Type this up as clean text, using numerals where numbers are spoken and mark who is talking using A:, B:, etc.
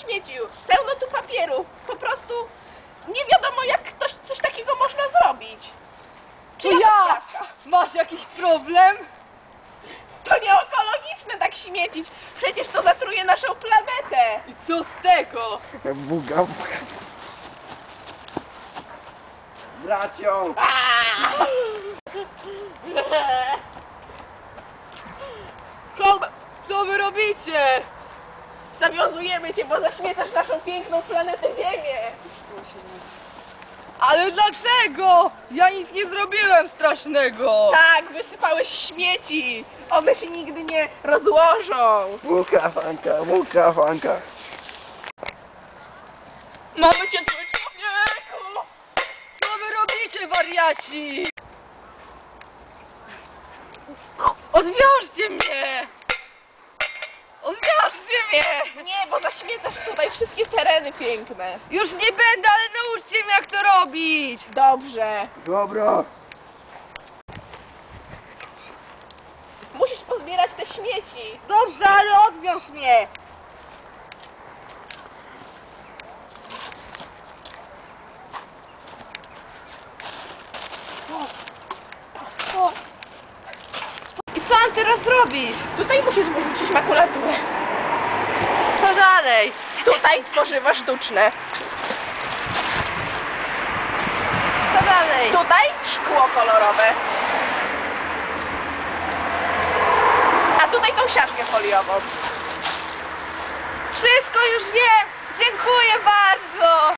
A: śmieci, pełno tu papierów. Po prostu nie wiadomo, jak ktoś coś takiego można zrobić. Czy
B: To ja! Masz jakiś problem?
A: To nie ekologiczne tak śmiecić. Przecież to zatruje naszą planetę.
B: I co z tego?
C: Buga, buga. Bracio!
B: Co wy robicie?
A: Zawiązujemy cię, bo zaśmiecasz naszą piękną planetę Ziemię.
B: Ale dlaczego? Ja nic nie zrobiłem strasznego.
A: Tak, wysypałeś śmieci. One się nigdy nie rozłożą.
C: Buka, fanka, buka, fanka.
A: Mamy cię, zły człowieku.
B: Co wy robicie, wariaci? Odwiążcie mnie! Odwiążcie mnie!
A: Nie, bo zaśmiecasz tutaj wszystkie tereny piękne.
B: Już nie będę, ale nauczcie mnie, jak to robić!
A: Dobrze.
C: Dobra.
A: Musisz pozbierać te śmieci.
B: Dobrze, ale odwiąż mnie! I co mam teraz robić?
A: Tutaj musisz wyrzucić makulaturę.
B: Co dalej?
A: Tutaj tworzywa sztuczne.
B: Co dalej?
A: Tutaj szkło kolorowe. A tutaj tą siatkę foliową.
B: Wszystko już wiem!